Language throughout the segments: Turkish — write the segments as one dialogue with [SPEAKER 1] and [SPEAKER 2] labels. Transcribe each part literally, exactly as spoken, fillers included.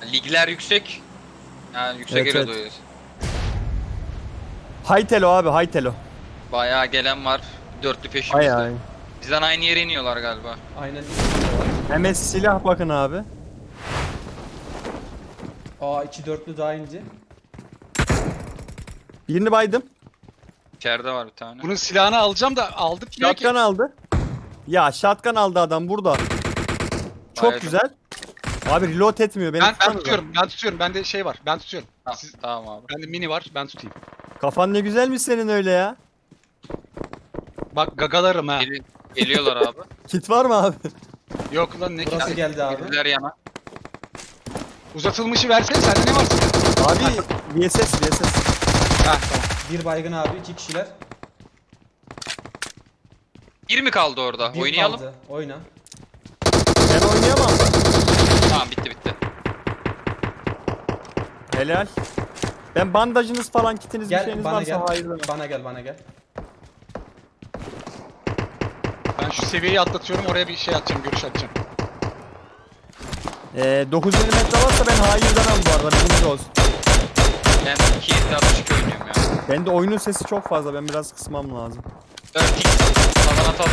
[SPEAKER 1] Ligler yüksek. Yani yüksek
[SPEAKER 2] Evet,
[SPEAKER 1] yere
[SPEAKER 2] evet.
[SPEAKER 1] doyuyoruz.
[SPEAKER 2] Haytelo abi, Haytelo.
[SPEAKER 1] Bayağı gelen var. Dörtlü
[SPEAKER 2] Ay
[SPEAKER 1] peşimizde.
[SPEAKER 2] ay.
[SPEAKER 1] Bizden aynı yere iniyorlar galiba.
[SPEAKER 3] Aynen ikisinde var.
[SPEAKER 2] Hemen silah bakın abi.
[SPEAKER 3] Aa iki dörtlü daha ince.
[SPEAKER 2] Birini baydım.
[SPEAKER 1] İçeride var bir tane.
[SPEAKER 4] Bunun silahını alacağım da aldık diyor ki.
[SPEAKER 2] Shotgun aldı. Ya shotgun aldı adam burada. Çok
[SPEAKER 1] Baydım.
[SPEAKER 2] güzel. Abi reload etmiyor. Beni
[SPEAKER 4] Ben, ben
[SPEAKER 2] tutsanıza.
[SPEAKER 4] tutuyorum, ben tutuyorum. Bende şey var, ben tutuyorum.
[SPEAKER 1] Ha,
[SPEAKER 4] Siz,
[SPEAKER 1] tamam abi.
[SPEAKER 4] bende mini var, ben tutayım.
[SPEAKER 2] Kafan ne güzelmiş senin öyle ya.
[SPEAKER 4] Bak gagalarım ha.
[SPEAKER 1] Gel- geliyorlar abi.
[SPEAKER 2] Kit var mı abi?
[SPEAKER 4] Yok lan ne
[SPEAKER 3] Burası
[SPEAKER 4] ki?
[SPEAKER 3] geldi abi.
[SPEAKER 1] Girdiler yana.
[SPEAKER 4] Uzatılmışı versene, sende ne var?
[SPEAKER 2] Abi V S S V S S.
[SPEAKER 4] Ha tamam.
[SPEAKER 3] Bir baygın abi, iki kişiler.
[SPEAKER 1] Bir mi kaldı orada?
[SPEAKER 3] Bir
[SPEAKER 1] Oynayalım.
[SPEAKER 3] kaldı. Oyna.
[SPEAKER 2] Ben oynayamam.
[SPEAKER 1] Tamam bitti bitti.
[SPEAKER 2] Helal. Ben bandajınız falan kitiniz bir
[SPEAKER 3] Gel
[SPEAKER 2] şeyiniz
[SPEAKER 3] bana
[SPEAKER 2] varsa
[SPEAKER 3] gel.
[SPEAKER 2] hayır demem.
[SPEAKER 3] Bana gel, bana gel.
[SPEAKER 4] Ben şu seviyeyi atlatıyorum, oraya bir şey atacağım, görüş atacağım.
[SPEAKER 2] Ee, dokuz milimetre varsa ben hayır demem bu arada. Bilginiz olsun.
[SPEAKER 1] Ben iki yüz altmış iki oynuyorum ya.
[SPEAKER 2] Bende oyunun sesi çok fazla. Ben biraz kısmam lazım.
[SPEAKER 1] dört x. Falan atalım.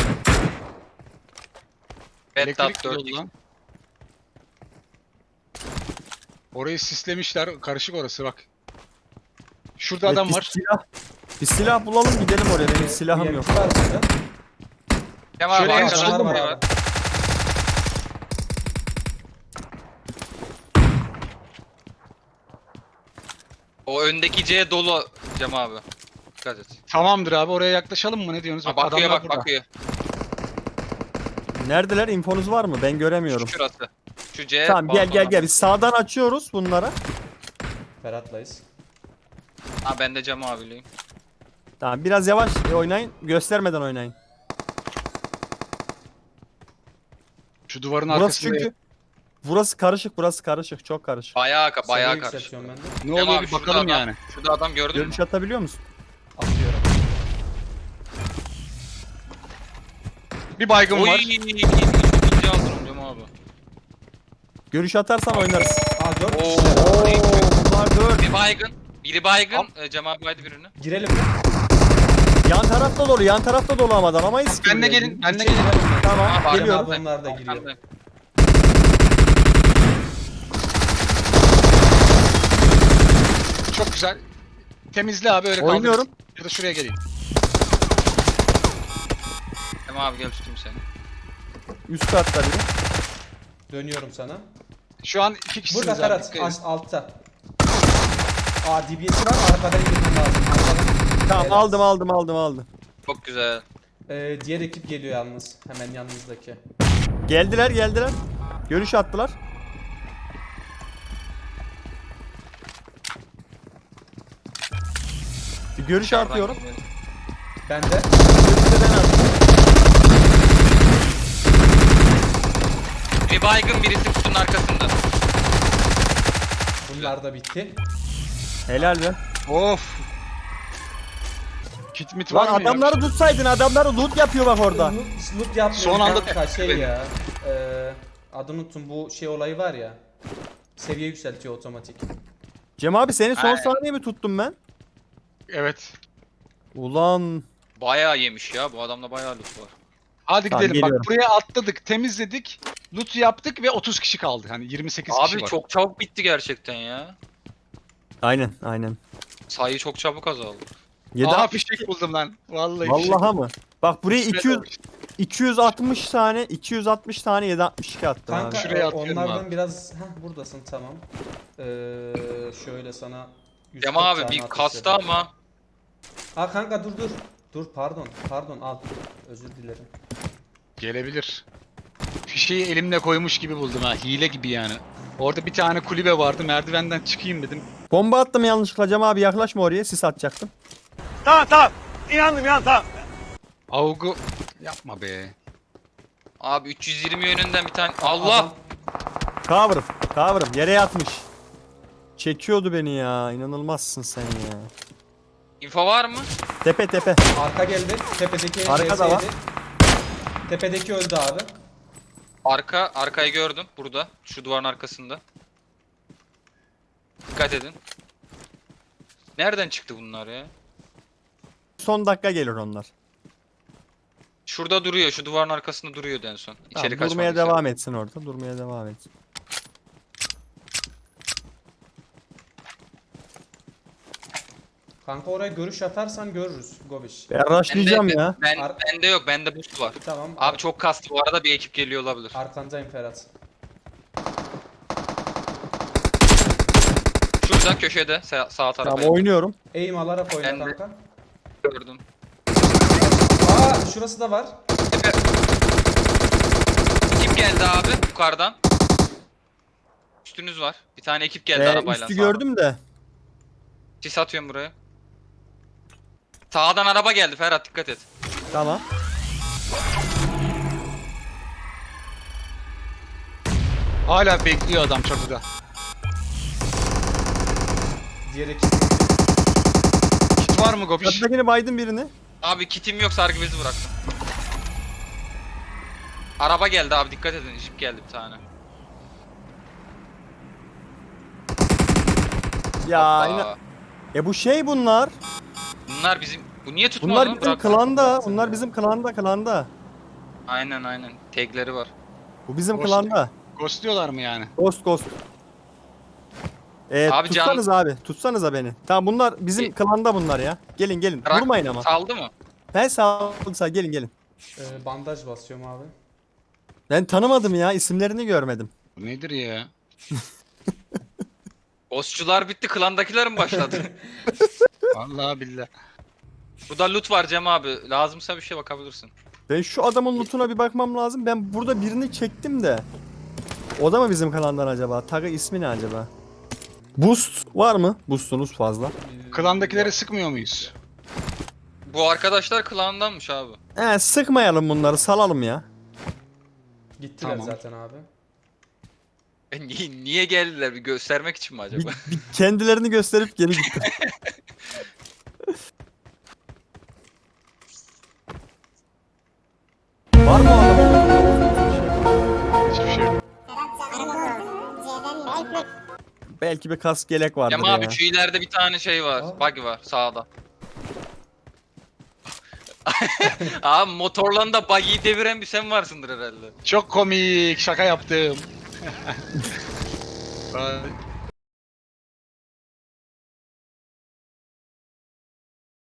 [SPEAKER 1] Red
[SPEAKER 4] Elektrik
[SPEAKER 1] Dot dört
[SPEAKER 4] yolu
[SPEAKER 1] x.
[SPEAKER 4] lan. Orayı sislemişler, karışık orası bak. Şurada
[SPEAKER 2] Evet,
[SPEAKER 4] adam
[SPEAKER 2] bir
[SPEAKER 4] var.
[SPEAKER 2] Silah, bir silah bulalım gidelim oraya. Benim silahım yok.
[SPEAKER 3] U M P var burada.
[SPEAKER 1] Kemal abi
[SPEAKER 4] Şöyle en
[SPEAKER 1] arkadan
[SPEAKER 4] solda
[SPEAKER 1] biri
[SPEAKER 3] var
[SPEAKER 1] var.
[SPEAKER 3] abi.
[SPEAKER 1] O öndeki C dolu Cem abi. Dikkat et.
[SPEAKER 4] Tamamdır abi, oraya yaklaşalım mı, ne diyorsunuz?
[SPEAKER 1] Ha, bakıyor
[SPEAKER 4] adamlar
[SPEAKER 1] bak
[SPEAKER 4] burada.
[SPEAKER 1] bakıyor.
[SPEAKER 2] Neredeler? İnfonuz var mı? Ben göremiyorum.
[SPEAKER 1] Şurası. Şu C.
[SPEAKER 2] Tamam gel gel
[SPEAKER 1] balkona.
[SPEAKER 2] gel. Biz sağdan açıyoruz bunlara.
[SPEAKER 3] Ferhat'layız.
[SPEAKER 1] Ha ben de Cem abileyim.
[SPEAKER 2] Tamam biraz yavaş oynayın. Göstermeden oynayın.
[SPEAKER 4] Şu duvarın
[SPEAKER 2] Burası
[SPEAKER 4] arkasında.
[SPEAKER 2] çünkü burası karışık, burası karışık, çok karışık.
[SPEAKER 1] Bayağı ka- bayağı
[SPEAKER 3] Seviye
[SPEAKER 1] karışık.
[SPEAKER 3] yükseltiyorum ben de.
[SPEAKER 4] Ne
[SPEAKER 1] Cem
[SPEAKER 4] oluyor
[SPEAKER 1] abi,
[SPEAKER 4] bir
[SPEAKER 1] şurada
[SPEAKER 4] bakalım
[SPEAKER 1] adam-
[SPEAKER 4] yani.
[SPEAKER 1] Şurada adam gördün mü?
[SPEAKER 2] Görüş atabiliyor musun?
[SPEAKER 3] Atıyorum.
[SPEAKER 4] Bir baygın
[SPEAKER 1] Oy,
[SPEAKER 4] var.
[SPEAKER 1] ikinci aldım Cem abi.
[SPEAKER 2] Görüş atarsan oynarız.
[SPEAKER 3] Aa dört
[SPEAKER 1] Oo.
[SPEAKER 3] kişiler.
[SPEAKER 2] Oo, bunlar dört.
[SPEAKER 1] Bir baygın. Biri baygın. Ee, Cem abi baydı birini.
[SPEAKER 3] Girelim mi?
[SPEAKER 2] Yan tarafta dolu, yan tarafta dolu ama alamayız ki.
[SPEAKER 4] Ben de
[SPEAKER 2] buraya.
[SPEAKER 4] gelin, ben de
[SPEAKER 3] İçeri
[SPEAKER 4] gelin.
[SPEAKER 3] girelim mi?
[SPEAKER 2] Tamam,
[SPEAKER 1] Aa, baygın
[SPEAKER 2] geliyorum.
[SPEAKER 1] abi.
[SPEAKER 3] Onlar da giriyor.
[SPEAKER 1] Arkandayım.
[SPEAKER 4] Çok güzel. Temizle abi, öyle kaldır.
[SPEAKER 2] Oynuyorum.
[SPEAKER 4] Ya da şuraya geleyim.
[SPEAKER 1] Cem abi gel tutayım seni.
[SPEAKER 2] Üst katta biri.
[SPEAKER 3] Dönüyorum sana.
[SPEAKER 4] Şu an iki kişisiniz
[SPEAKER 3] Burada
[SPEAKER 4] abi.
[SPEAKER 3] Ferhat,
[SPEAKER 4] dikkat edin.
[SPEAKER 3] az altta. Aa D B S'i var, arkadan indirmem lazım. Arkadan.
[SPEAKER 2] Tamam
[SPEAKER 3] Evet.
[SPEAKER 2] aldım aldım aldım aldım.
[SPEAKER 1] Çok güzel.
[SPEAKER 3] Ee, diğer ekip geliyor yalnız. Hemen yanınızdaki.
[SPEAKER 2] Geldiler geldiler. Görüş attılar. Bir görüş
[SPEAKER 1] Dışarıdan
[SPEAKER 2] atıyorum.
[SPEAKER 1] geliyor.
[SPEAKER 3] Ben de.
[SPEAKER 2] Görüşü de ben attım.
[SPEAKER 1] Biri baygın birisi kutunun arkasında.
[SPEAKER 3] Bunlar da bitti.
[SPEAKER 2] Helal be.
[SPEAKER 4] Of. Kit mit
[SPEAKER 2] Lan
[SPEAKER 4] var mı ya?
[SPEAKER 2] adamları tutsaydın, adamları loot yapıyor bak orada.
[SPEAKER 3] Loot, loot yapmıyor.
[SPEAKER 4] Son anda-
[SPEAKER 3] kanka, şey ya. Eee adını unuttum, bu şey olayı var ya. Seviye yükseltiyor otomatik.
[SPEAKER 2] Cem abi seni son
[SPEAKER 1] Aynen.
[SPEAKER 2] saniye mi tuttum ben?
[SPEAKER 4] Evet.
[SPEAKER 2] Ulan.
[SPEAKER 1] Bayağı yemiş ya. Bu adamda bayağı loot var.
[SPEAKER 4] Hadi
[SPEAKER 2] Tamam,
[SPEAKER 4] gidelim.
[SPEAKER 2] geliyorum.
[SPEAKER 4] Bak buraya atladık, temizledik. Loot yaptık ve otuz kişi kaldı. Hani yirmi sekiz kişi
[SPEAKER 1] Abi
[SPEAKER 4] var.
[SPEAKER 1] çok çabuk bitti gerçekten ya.
[SPEAKER 2] Aynen aynen.
[SPEAKER 1] Sayı çok çabuk azaldı.
[SPEAKER 2] yedi
[SPEAKER 4] Aha
[SPEAKER 2] altmış
[SPEAKER 4] fişek buldum lan. Vallahi fişek.
[SPEAKER 2] Vallaha mı? Bak buraya
[SPEAKER 4] İsmet
[SPEAKER 2] iki yüz
[SPEAKER 4] olmuş.
[SPEAKER 2] iki yüz altmış tane iki yüz altmış tane yedi altmış iki attım
[SPEAKER 3] Kanka
[SPEAKER 2] abi.
[SPEAKER 4] Şuraya
[SPEAKER 3] e,
[SPEAKER 4] atıyorum
[SPEAKER 3] onlardan
[SPEAKER 4] abi.
[SPEAKER 3] biraz heh, buradasın tamam. Eee şöyle sana yüz
[SPEAKER 1] Cem
[SPEAKER 3] kırk
[SPEAKER 1] abi
[SPEAKER 3] tane
[SPEAKER 1] bir
[SPEAKER 3] atış
[SPEAKER 1] kastı
[SPEAKER 3] yapayım.
[SPEAKER 1] ama.
[SPEAKER 3] Ha kanka dur dur. Dur pardon. Pardon al. Özür dilerim.
[SPEAKER 4] Gelebilir. Fişeği elimle koymuş gibi buldum ha. Hile gibi yani. Orada bir tane kulübe vardı. Merdivenden çıkayım dedim.
[SPEAKER 2] Bomba attım yanlışlıkla Cem abi, yaklaşma oraya, sis atacaktım.
[SPEAKER 4] Avgu yapma be.
[SPEAKER 1] Abi üç yüz yirmi yönünden bir tane. Allah.
[SPEAKER 3] Adam-
[SPEAKER 2] Cover'ım cover'ım yere yatmış. Çekiyordu beni ya, inanılmazsın sen ya.
[SPEAKER 1] İnfo var mı?
[SPEAKER 2] Tepe tepe.
[SPEAKER 3] Arka geldi. Tepedeki
[SPEAKER 2] Arka da
[SPEAKER 3] V S
[SPEAKER 2] var.
[SPEAKER 3] ydi. Tepedeki öldü abi.
[SPEAKER 1] Arka arkayı gördüm burada. Şu duvarın arkasında. Dikkat edin. Nereden çıktı bunlar ya?
[SPEAKER 2] Son dakika gelir onlar.
[SPEAKER 1] Şurada duruyor. Şu duvarın arkasında duruyordu en son. İçeri
[SPEAKER 2] Tamam,
[SPEAKER 1] kaçmak
[SPEAKER 2] durmaya
[SPEAKER 1] üzere.
[SPEAKER 2] devam etsin orada. Durmaya devam etsin.
[SPEAKER 3] Kanka oraya görüş atarsan görürüz Gobiş.
[SPEAKER 2] Ben rushlayacağım
[SPEAKER 1] Bende-
[SPEAKER 2] ya.
[SPEAKER 1] Ben,
[SPEAKER 3] Ar-
[SPEAKER 1] bende yok. Bende boost var.
[SPEAKER 3] Tamam.
[SPEAKER 1] Abi çok kastı. Bu arada bir ekip geliyor olabilir.
[SPEAKER 3] Arkandayım Ferhat.
[SPEAKER 1] Şurada köşede sağ, sağ tarafa.
[SPEAKER 2] Tamam oynuyorum.
[SPEAKER 3] Aim alarak oyna
[SPEAKER 1] Ben de-
[SPEAKER 3] kanka.
[SPEAKER 1] gördüm.
[SPEAKER 3] Aa şurası da var.
[SPEAKER 1] Tepe. Ekip geldi abi yukarıdan. Üstünüz var. Bir tane ekip geldi
[SPEAKER 2] Ee,
[SPEAKER 1] arabayla.
[SPEAKER 2] üstü
[SPEAKER 1] sağdan.
[SPEAKER 2] gördüm de.
[SPEAKER 1] Sis atıyorum buraya. Sağdan araba geldi Ferhat, dikkat et.
[SPEAKER 2] Tamam.
[SPEAKER 4] Hala bekliyor adam çatıda.
[SPEAKER 3] Diğer ekip.
[SPEAKER 4] Kit var mı Gobiş?
[SPEAKER 2] Çatıdakini baydım birini.
[SPEAKER 1] Abi kitim yok, sargı bezi bıraktım. Araba geldi abi, dikkat edin, jip geldi bir tane.
[SPEAKER 2] Ya yine...
[SPEAKER 1] Aa,
[SPEAKER 2] E bu şey bunlar.
[SPEAKER 1] bunlar bizim, bu niye tutmadı?
[SPEAKER 2] Bunlar bizim
[SPEAKER 1] Bırak.
[SPEAKER 2] klanda.
[SPEAKER 3] bıraksana
[SPEAKER 2] Bunlar
[SPEAKER 3] ya.
[SPEAKER 2] bizim klanda klanda.
[SPEAKER 1] Aynen aynen, tagleri var.
[SPEAKER 2] Bu bizim
[SPEAKER 4] Boş-
[SPEAKER 2] klanda.
[SPEAKER 4] Ghostluyorlar mı yani?
[SPEAKER 2] Ghost ghost. Ee,
[SPEAKER 1] Abi can-
[SPEAKER 2] tutsanız abi. Tutsanıza beni. Tamam bunlar bizim
[SPEAKER 1] E-
[SPEAKER 2] klanda bunlar ya. Gelin gelin.
[SPEAKER 1] Bırak,
[SPEAKER 2] Vurmayın ama.
[SPEAKER 1] saldı mı?
[SPEAKER 2] Ben sağ sağ gelin gelin.
[SPEAKER 3] Ee, bandaj basıyorum abi.
[SPEAKER 2] Ben tanımadım ya. İsimlerini görmedim.
[SPEAKER 4] Bu nedir ya?
[SPEAKER 1] Ghostçular bitti, klandakiler mi başladı?
[SPEAKER 4] Vallahi billahi.
[SPEAKER 1] Burada loot var Cem abi, lazımsa bir şey bakabilirsin.
[SPEAKER 2] Ben şu adamın lootuna bir bakmam lazım. Ben burada birini çektim de. O da mı bizim klandan acaba? Tagı ismi ne acaba? Boost var mı? Boostunuz fazla.
[SPEAKER 3] Ee,
[SPEAKER 4] Klandakileri sıkmıyor muyuz?
[SPEAKER 1] Bu arkadaşlar klandanmış abi.
[SPEAKER 2] He sıkmayalım bunları salalım ya.
[SPEAKER 3] Gittiler
[SPEAKER 4] Tamam.
[SPEAKER 3] zaten abi.
[SPEAKER 1] E, niye, niye geldiler, bir göstermek için mi
[SPEAKER 2] Bir,
[SPEAKER 1] acaba?
[SPEAKER 2] bir kendilerini gösterip geri gitti. Var mı o adamın?
[SPEAKER 4] Hiçbir şey yok.
[SPEAKER 2] Belki bir kask gelek vardır
[SPEAKER 1] Cem
[SPEAKER 2] ya.
[SPEAKER 1] abi şu ileride bir tane şey var,
[SPEAKER 3] Aa.
[SPEAKER 1] buggy var sağda. Abi motorla da buggy'yi deviren bir sen varsındır herhalde.
[SPEAKER 4] Çok komik. Şaka yaptım. Ay,